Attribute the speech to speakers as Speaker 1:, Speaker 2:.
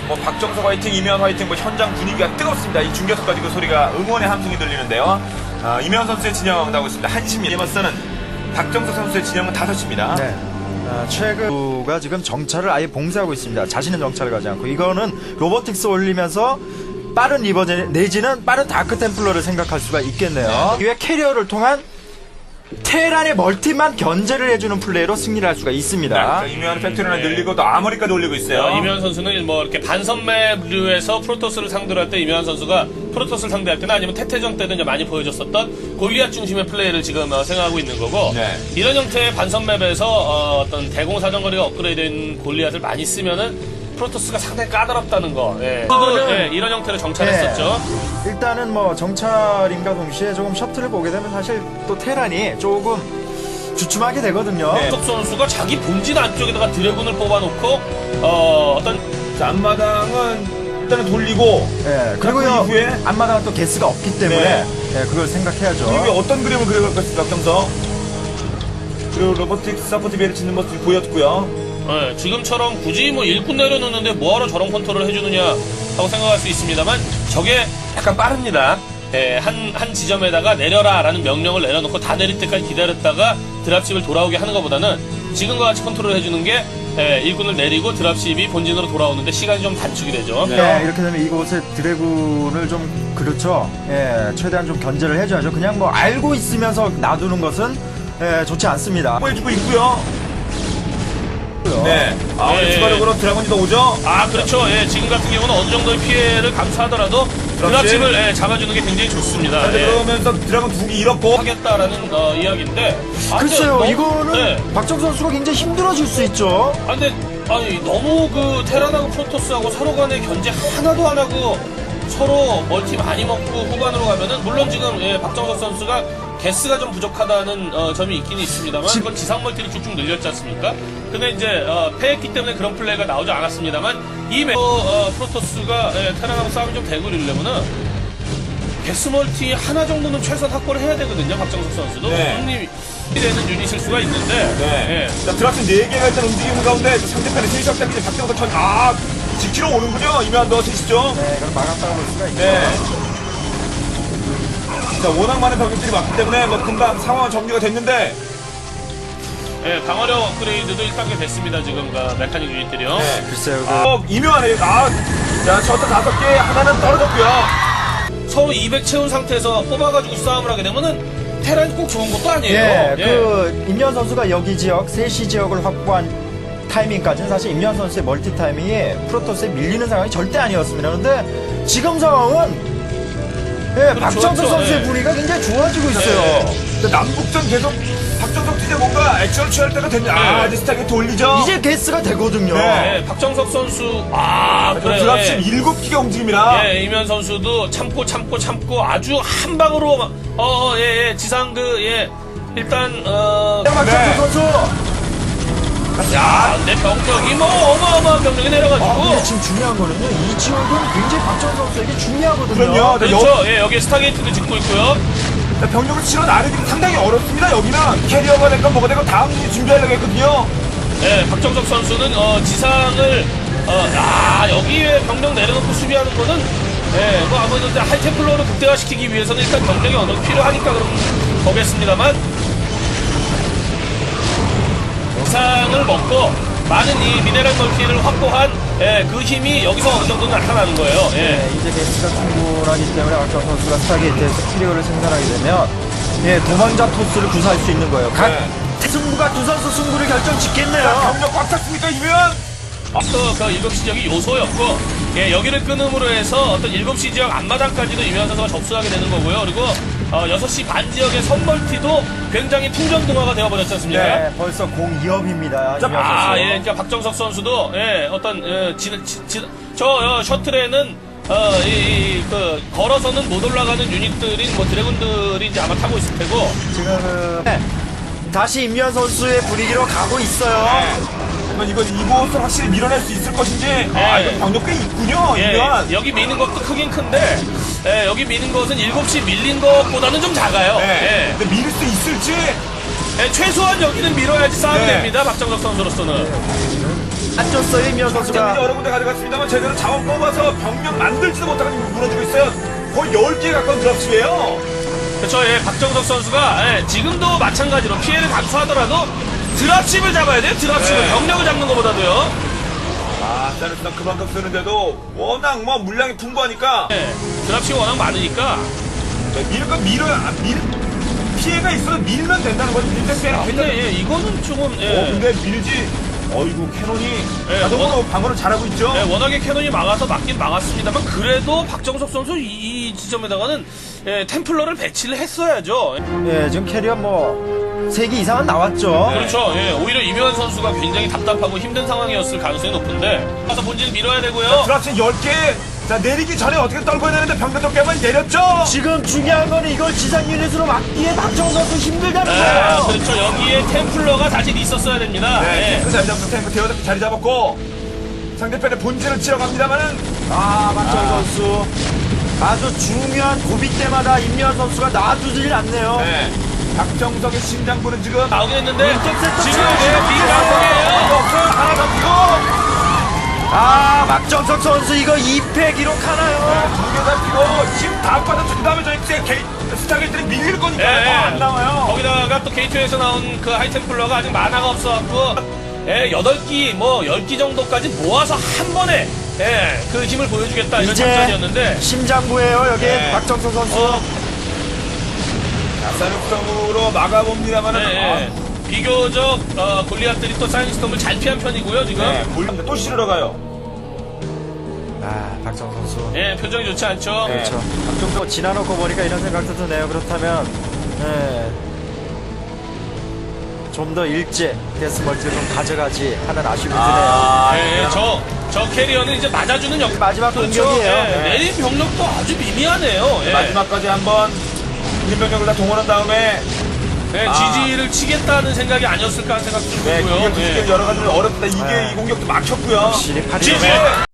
Speaker 1: 뭐 박정석 화이팅, 이면 화이팅, 뭐 현장 분위기가 뜨겁습니다. 이 중계석까지 그 소리가 응원의 함성이 들리는데요. 이면 선수의 진영 나오고 있습니다. 1시입니다. 이번서는 박정석 선수의 진영은 5시입니다.
Speaker 2: 네. 최근가 지금 정찰을 아예 봉쇄하고 있습니다. 자신은 정찰을 가지 않고 이거는 로보틱스 올리면서 빠른 리버 내지는 빠른 다크 템플러를 생각할 수가 있겠네요. 이외 캐리어를 통한 테란의 멀티만 견제를 해주는 플레이로 승리를 할 수가 있습니다.
Speaker 1: 이면 팩토리를 늘리고 또 아머리까지 올리고 있어요.
Speaker 3: 이면 선수는 뭐 이렇게 반선맵류에서 프로토스를 상대로 할 때 이면 선수가 프로토스를 상대할 때나 아니면 태태전 때도 이제 많이 보여줬었던 골리앗 중심의 플레이를 지금 생각하고 있는 거고
Speaker 1: 네.
Speaker 3: 이런 형태의 반선맵에서 어떤 대공사정거리가 업그레이드된 골리앗을 많이 쓰면은 프로토스가 상당히 까다롭다는 거. 예. 이런 형태로 정찰했었죠.
Speaker 2: 일단은 뭐 정찰임과 동시에 조금 셔틀을 보게 되면 사실 또 테란이 조금 주춤하게 되거든요.
Speaker 3: 석 선수가 자기 본진 안쪽에다가 드래곤을 뽑아놓고 어떤
Speaker 1: 앞마당은 일단은 돌리고
Speaker 2: 그리고요
Speaker 1: 그 이후에
Speaker 2: 앞마당은 또 개스가 없기 때문에 그걸 생각해야죠.
Speaker 1: 이게 어떤 그림을 그려갈 것인가 박정석. 그리고 로보틱스 서포트 비를 짓는 모습이 보였고요.
Speaker 3: 지금처럼 굳이 뭐 일꾼 내려놓는데 뭐하러 저런 컨트롤을 해주느냐 하고 생각할 수 있습니다만 저게 약간 빠릅니다. 한 지점에다가 내려라 라는 명령을 내려놓고 다 내릴 때까지 기다렸다가 드랍십을 돌아오게 하는 것보다는 지금과 같이 컨트롤 해주는 게 일꾼을 내리고 드랍십이 본진으로 돌아오는데 시간이 좀 단축이 되죠.
Speaker 2: 네, 이렇게 되면 이곳에 드래곤을 좀 그렇죠. 최대한 좀 견제를 해줘야죠. 그냥 뭐 알고 있으면서 놔두는 것은 좋지 않습니다.
Speaker 1: 보여주고 있고요. 네. 추가적으로 드래곤이 더 오죠?
Speaker 3: 그렇죠. 지금 같은 경우는 어느 정도의 피해를 감수하더라도 드랍십을 잡아주는 게 굉장히 좋습니다.
Speaker 1: 그러면서 드래곤 2개 잃었고
Speaker 3: 하겠다라는 이야기인데
Speaker 2: 글쎄요,
Speaker 3: 근데
Speaker 2: 이거는 박정선 선수가 굉장히 힘들어질 수 있죠.
Speaker 3: 근데 너무 그 테란하고 프로토스하고 서로 간의 견제 하나도 안 하고 서로 멀티 많이 먹고 후반으로 가면은 물론 지금 박정석 선수가 개스가 좀 부족하다는 점이 있긴 있습니다만 그건 지상 멀티를 쭉쭉 늘렸지 않습니까? 근데 이제 패했기 때문에 그런 플레이가 나오지 않았습니다만 이 프로토스가 테란하고 싸움이 좀 되고 이러려면은 개스 멀티 하나 정도는 최소한 확보를 해야 되거든요. 박정석 선수도 형님이 되는 유닛일 수가 있는데
Speaker 1: 자, 드랍십 4개가 일단 움직이는 가운데 상대편의 세시업 때문에 박정석 지키러 오는군요. 이면 너 드시죠?
Speaker 2: 네, 그럼 막았다고 볼 수가 있죠.
Speaker 1: 자, 워낙 많은 병력들이 많기 때문에 뭐 금방 상황은 정리가 됐는데
Speaker 3: 방어력 업그레이드도 1단계 됐습니다. 지금 메카닉 유닛들이요.
Speaker 2: 글쎄요.
Speaker 1: 이묘하네요. 자, 저도 5개 하나는 떨어졌고요.
Speaker 3: 서로 200 채운 상태에서 뽑아가지고 싸움을 하게 되면은 테란이 꼭 좋은 것도 아니에요.
Speaker 2: 임현 선수가 여기 지역, 3시 지역을 확보한 타이밍까지는 사실 임현 선수의 멀티 타이밍이 프로토스에 밀리는 상황이 절대 아니었습니다. 그런데 지금 상황은 박정석 선수의 분위기가 굉장히 좋아지고 있어요.
Speaker 1: 남북전 계속 박정석 이제 뭔가 액션을 취할 때가 됐냐. 아디스타게 돌리죠.
Speaker 2: 이제 게스가 되거든요.
Speaker 3: 박정석 선수 그래요.
Speaker 1: 드랍십 7기가 움직입니다.
Speaker 3: 이면 선수도 참고 아주 한 방으로 지상 일단
Speaker 2: 박정석 선수.
Speaker 3: 내 병력이 뭐 어마어마한 병력이 내려가지고
Speaker 2: 근데 지금 중요한 거는요. 이 지역은 굉장히 박정석 선수에게 중요하거든요.
Speaker 1: 그럼요.
Speaker 3: 그렇죠. 여기 스타게이트도 짓고 있고요.
Speaker 1: 병력을 실어 나르기 상당히 어렵습니다. 여기는 캐리어가 될건 뭐가 되건 다음 일이 준비하려고 했거든요.
Speaker 3: 박정석 선수는 지상을 여기에 병력 내려놓고 수비하는 거는 뭐 아무래도 하이템플러로 극대화시키기 위해서는 일단 병력이 어느 정도 필요하니까 그런 거겠습니다만 지상을 먹고 많은 이 미네랄 멀티를 확보한 그 힘이 여기서 어느 정도 나타나는 거예요.
Speaker 2: 이제 게스가 충분하기 때문에 박정 선수가 스타게이트에서 키리오를 생산하게 되면 도망자 토스를 구사할 수 있는 거예요. 각 승부가 두 선수 승부를 결정 짓겠네요.
Speaker 1: 병력 꽉 찼습니까 이면?
Speaker 3: 그 7시 지역이 요소였고 여기를 끊음으로 해서 어떤 7시 지역 앞마당까지도 이면 선수가 접수하게 되는 거고요. 그리고 6시 반 지역의 선멀티도 굉장히 풍전등화가 되어버렸지 않습니까?
Speaker 2: 네, 벌써 0-2업입니다.
Speaker 3: 그러니까 박정석 선수도 어떤 저 셔틀에는 걸어서는 못 올라가는 유닛들인 뭐 드래곤들이 이제 아마 타고 있을 테고
Speaker 2: 지금 다시 임현 선수의 분위기로 가고 있어요.
Speaker 1: 이건 이곳을 확실히 밀어낼 수 있을 것인지. 이거 병력 꽤 있군요. 이면.
Speaker 3: 여기 미는 것도 크긴 큰데 여기 미는 것은 7시 밀린 것보다는 좀 작아요.
Speaker 1: 근데 밀을 수 있을지.
Speaker 3: 최소한 여기는 밀어야지 싸움이 됩니다. 박정석 선수로서는.
Speaker 2: 안 줬어요, 임현
Speaker 1: 장점이
Speaker 2: 선수가.
Speaker 1: 여러 군데 가져갔습니다만 제대로 자원 뽑아서 병력 만들지도 못하고 지금 무너지고 있어요. 거의 10개 가까운 드랍십이에요.
Speaker 3: 그렇죠. 예, 박정석 선수가 예, 지금도 마찬가지로 피해를 감수하더라도 드랍십을 잡아야 돼요. 드랍십을
Speaker 1: 네.
Speaker 3: 병력을 잡는 것보다도요.
Speaker 1: 사르스는 그만큼 쓰는데도 워낙 뭐 물량이 풍부하니까
Speaker 3: 예, 드랍십이 워낙 많으니까.
Speaker 1: 피해가 있어도 밀면 된다는 거지. 밀때 빼라.
Speaker 3: 근데 예, 이거는 조금 예,
Speaker 1: 근데 밀지. 어이구 캐논이
Speaker 3: 예,
Speaker 1: 자동으로 방어를 잘하고 있죠.
Speaker 3: 예, 워낙에 캐논이 막아서 막긴 막았습니다만 그래도 박정석 선수 이 지점에다가는 예, 템플러를 배치를 했어야죠.
Speaker 2: 예, 지금 캐리어 뭐 3개 이상은 나왔죠.
Speaker 3: 그렇죠. 예, 오히려 이묘한 선수가 굉장히 답답하고 힘든 상황이었을 가능성이 높은데 가서 본진 밀어야 되고요.
Speaker 1: 드랍십 10개. 자 내리기 전에 어떻게 떨궈야 되는데 병력도 깨만 내렸죠.
Speaker 2: 지금 중요한 건 이걸 지상 유닛으로 막기에 박정석 선수 힘들다는
Speaker 3: 예,
Speaker 2: 거예요.
Speaker 3: 그렇죠. 여기에 템플러가 사실 있었어야 됩니다.
Speaker 1: 네,
Speaker 3: 예.
Speaker 1: 탱크 자리 잡고 탱크 대어서 자리 잡았고 상대편의 본질을 치러 갑니다만은
Speaker 2: 박정 선수 아주 중요한 고비 때마다 임현 선수가 놔두질 않네요.
Speaker 1: 네. 박정석의 심장부는 지금
Speaker 3: 나오긴 했는데
Speaker 2: 왼쪽 세트
Speaker 3: 지금
Speaker 2: 치고
Speaker 3: 빈강성이에요.
Speaker 1: 없어요. 하나 잡히고
Speaker 2: 박정석 선수 이거 2패 기록하나요?
Speaker 1: 2개 잡히고 힘 다 빠졌죠. 그 다음에 저희 스타게이트를 밀릴 거니까
Speaker 3: 예,
Speaker 1: 안 나와요.
Speaker 3: 거기다가 또 게이트에서 나온 그 하이템플러가 아직 만화가 없어갖고 예, 8기 뭐 10기 정도까지 모아서 한 번에 예, 그 힘을 보여주겠다 이런
Speaker 2: 이제
Speaker 3: 작전이었는데
Speaker 2: 심장부예요 여기
Speaker 1: 네.
Speaker 2: 박정석 선수.
Speaker 1: 사육성으로 막아봅니다만은
Speaker 3: 예, 비교적 골리앗들이 또 사이언스톰을 잘 피한 편이고요 지금.
Speaker 1: 몰랐는데 또 실으러 가요.
Speaker 2: 박정석 선수.
Speaker 3: 예, 표정이 좋지 않죠.
Speaker 2: 그렇죠. 박정석 지나놓고 보니까 이런 생각도 드네요. 그렇다면 좀 더 일제 데스멀티를 좀 가져가지 하는 아쉬움이 드네요.
Speaker 3: 예, 저 캐리어는 이제 맞아주는 역.
Speaker 2: 마지막
Speaker 3: 그렇죠.
Speaker 2: 공격이에요.
Speaker 3: 예,
Speaker 1: 네.
Speaker 3: 내린 병력도 아주 미미하네요. 예.
Speaker 1: 마지막까지 한번 인병력을 다 동원한 다음에
Speaker 3: 네, 지지를 치겠다는 생각이 아니었을까 하는 생각도 좀
Speaker 1: 네,
Speaker 3: 들고요.
Speaker 1: 공격
Speaker 3: 예.
Speaker 1: 여러 가지로 어렵다. 이게 이 공격도 막혔고요.
Speaker 2: 확실히 팔이
Speaker 3: 지지!
Speaker 2: 너무